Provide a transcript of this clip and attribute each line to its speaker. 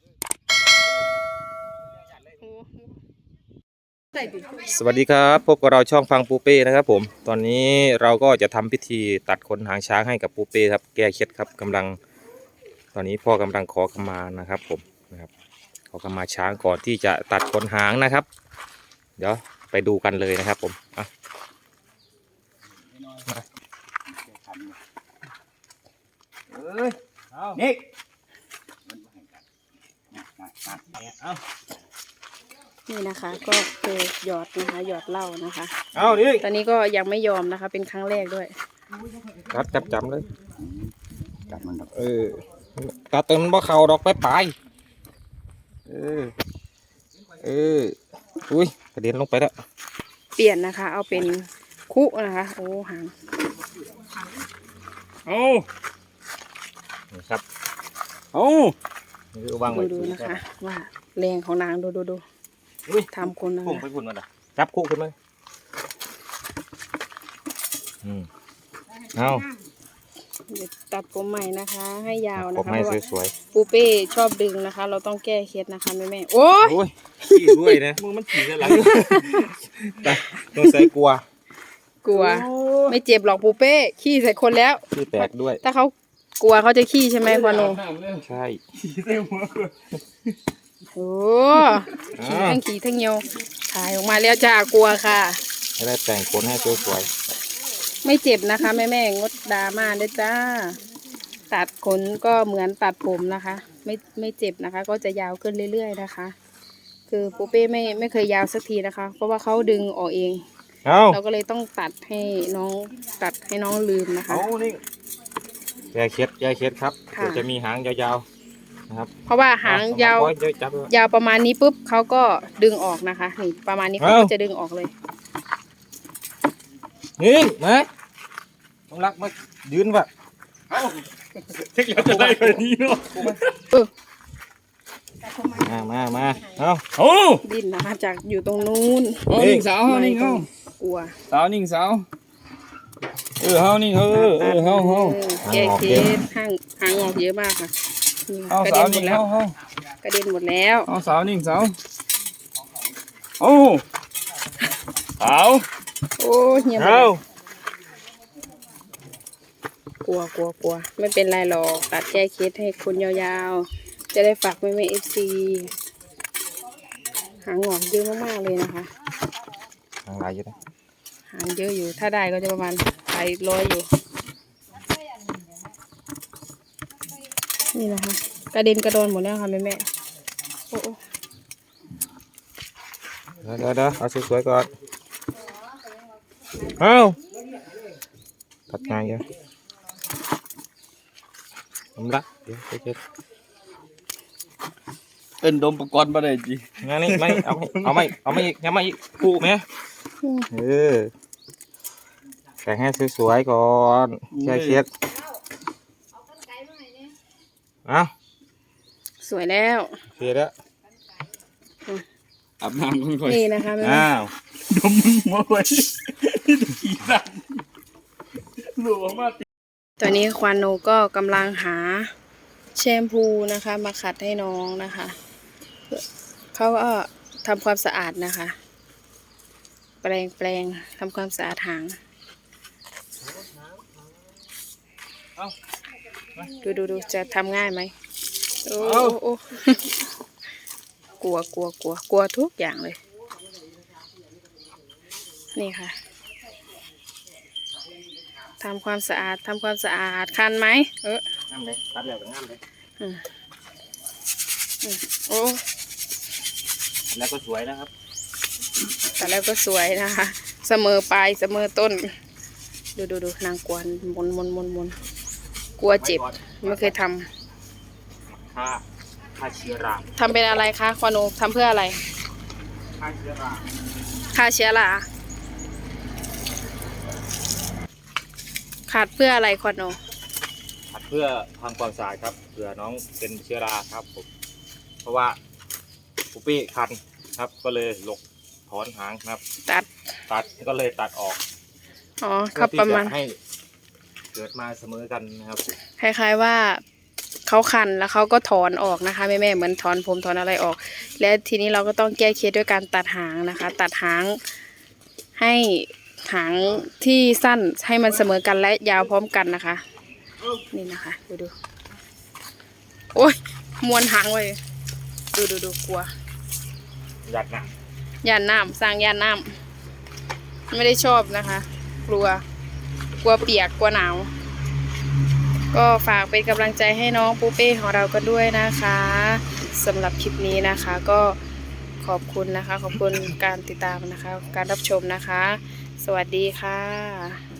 Speaker 1: สวัสดีครับพบกับเราช่องฟังปูเป้นะครับผมตอนนี้เราก็จะทำพิธีตัดขนหางช้างให้กับปูเป้ครับแก้เคล็ดครับตอนนี้พ่อกำลังขอขมานะครับผมนะครับขอขมาช้างก่อนที่จะตัดขนหางนะครับเดี๋ยวไปดูกันเลยนะครับผม
Speaker 2: นี่
Speaker 3: นี่นะคะก็คือหยอดนะคะหยอดเหล้านะคะ
Speaker 1: เอาดิ
Speaker 3: ตอนนี้ก็ยังไม่ยอมนะคะเป็นครั้งแรกด้วย
Speaker 1: จับเลย
Speaker 2: จับมันดอก
Speaker 1: ตัดต้นบ่เข่าดอกไปอุ้ยกระเด็นลงไปแล้ว
Speaker 3: เปลี่ยนนะคะเอาเป็นคุนะคะโอ้หาง
Speaker 1: นี่ครับ วาง
Speaker 3: ดู
Speaker 1: ไว้
Speaker 3: ดูนะคะ ว่าแรงของนางดู
Speaker 1: อุ้ย
Speaker 3: ทำคนนะ
Speaker 1: พุ่ง
Speaker 3: คะ
Speaker 1: ไปพุ่งมาเลยจับคู่ขึ้นมาเอา
Speaker 3: เดี๋ยวตัดผมใหม่นะคะ ให้ยาว
Speaker 1: ผ
Speaker 3: นะ
Speaker 1: ม
Speaker 3: คะ
Speaker 1: ให้
Speaker 3: เพราะว่า
Speaker 1: สวย
Speaker 3: ปูเป้ชอบดึงนะคะ เราต้องแก้เคล็ดนะคะแม่โอ้
Speaker 1: ๆโอ้ยขี้ด้วยนะมึงมันขี้กันหลังแต่ต้องใส่กลัว
Speaker 3: กลัว ไม่เจ็บหรอกปูเป้ขี้ใส่คนแล้ว
Speaker 1: ขี้แตกด้วย
Speaker 3: ถ้าเขากลัวเขาจะขี้ใช่ไหมควานโน
Speaker 1: ใช่
Speaker 3: โอ้ขี่ทั้งเหี่ยวถ่ายออกมาแล้วจ้ากลัวค่ะ
Speaker 1: ให้ได้แต่งขนให้สวย
Speaker 3: ไม่เจ็บนะคะแม่งดดราม่าด้วยจ้าตัดขนก็เหมือนตัดผมนะคะ ไม่เจ็บนะคะ ก็จะยาวขึ้นเรื่อยๆนะคะ คือปูเป้ไม่เคยยาวสักทีนะคะ เพราะว่าเขาดึงออกเอง
Speaker 1: ๆเอา
Speaker 3: เราก็เลยต้องตัดให้น้องลืมนะคะ
Speaker 1: นี่แก้เคล็ดครับ
Speaker 3: ค่ะ
Speaker 1: เดี๋ยวจะมีหางยาวๆนะครับ
Speaker 3: เพราะว่าหางยาว
Speaker 1: เดี๋ยวจับเลย
Speaker 3: ยาวประมาณนี้ปุ๊บเขาก็ดึงออกนะคะนี่ประมาณนี้เขาก็จะดึงออกเลย
Speaker 1: นี่มาต้องรักมายืนว่ะ
Speaker 2: เทคแล้วจะได้แบบนี้เนาะ
Speaker 1: มาเอา
Speaker 2: โอ้
Speaker 3: ดิ้นนะคะจากอยู่ตรงนู้น
Speaker 2: นิ่งสาวเฮานิ่งเฮาก
Speaker 3: ลัว
Speaker 2: สาวนิ่งสาวเฮานิ่งเฮาเฮา
Speaker 3: แก้เคสหางออกเยอะมากค่ะนี่
Speaker 2: เอา
Speaker 3: กระ
Speaker 2: สา
Speaker 3: เด็
Speaker 2: วน
Speaker 3: หม
Speaker 2: นิ่
Speaker 3: ด
Speaker 2: ง
Speaker 3: แล้ว
Speaker 2: เฮาก
Speaker 3: ระเด็นหมดแล้ว
Speaker 2: เอาสาวนิ่งสาวโอ้สาว
Speaker 3: โอ้เหี่ยวหมด
Speaker 1: เอา
Speaker 3: แล้วกลัวไม่เป็นไรหรอกตัดแก้เคสให้คนยาวๆจะได้ฝากแม่FC หางออกเยอะมากๆเลยนะคะ
Speaker 1: หางลายอยู่นะ
Speaker 3: หางเยอะอยู่ถ้าได้ก็จะประมาณไป100อยู่นี่นะคะกระเด็นกระโดนหมดแล้วค่ะแม่โอ้
Speaker 1: เดี๋ยวเอาสวยๆก่อนเอาตัดง่ายเยอะผมรักเดี๋ยวเช็ด
Speaker 2: เป็นดมประกอบบ่ได้จี
Speaker 1: งานนี้ไม่เอาไม่อีกอีกคู่ไหมแต่งให้สวยๆก่อนแค่เคล็ดเอา
Speaker 3: สวยแล้ว
Speaker 1: เคลียร์แล้ว
Speaker 2: อาบน้ำค่อย
Speaker 3: นี่นะคะแม่
Speaker 1: อ้าว
Speaker 2: ดมมึงหัวไว้ขี้สั่นหลวงมา
Speaker 3: ตอนนี้ควานโนก็กำลังหาแชมพูนะคะ มาขัดให้น้องนะคะเขาก็ทำความสะอาดนะคะ แปรงทำความสะอาดหางดูจะทำง่ายไหมโอ้กลัวทุกอย่างเลยนี่ค่ะทำความสะอาดคันไหม
Speaker 1: งามเลยตัดแล้วก็งามเลย
Speaker 3: โอ้
Speaker 1: แล้วก็สวยนะครับ
Speaker 3: แต่แล้วก็สวยนะคะ เสมอปลายเสมอต้น ดูนางกวนมนกลัวเจ็บไม่เคยทำ
Speaker 1: ฆ่าเชื้อรา
Speaker 3: ทำเป็นอะไรคะควาโนทำเพื่ออะไร
Speaker 1: ฆ่าเชื้อรา
Speaker 3: ฆ่าเชื้อราขาดเพื่ออะไรควาโน
Speaker 1: ขัดเพื่อทำความสะอาดครับเผื่อน้องเป็นเชื้อราครับผมเพราะว่าปุ๊ปี้คันครับก็เลยหลกถอนหางครับ ตัดก็เลยตัดออก
Speaker 3: อ๋อครับประมาณ
Speaker 1: เพื่อที่จให้เกิดมาเสมอกันนะครับ
Speaker 3: คล้ายๆว่าเขาคันแล้วเขาก็ถอนออกนะคะแม่ๆเหมือนถอนผมถอนอะไรออก และทีนี้เราก็ต้องแก้เคล็ดด้วยการตัดหางนะคะ ตัดหางให้หางที่สั้นให้มันเสมอกันและยาวพร้อมกันนะคะ นี่นะคะดูโอ้ยมวนหางไว้ดูกลัว
Speaker 1: ยัดนะ
Speaker 3: ย่านน้ำสร้างย่านน้ำไม่ได้ชอบนะคะ กลัวเปียกกลัวหนาวก็ฝากเป็นกำลังใจให้น้องปูเป้ของเราก็ด้วยนะคะสำหรับคลิปนี้นะคะ ก็ขอบคุณนะคะ ขอบคุณการติดตามนะคะ การรับชมนะคะ สวัสดีค่ะ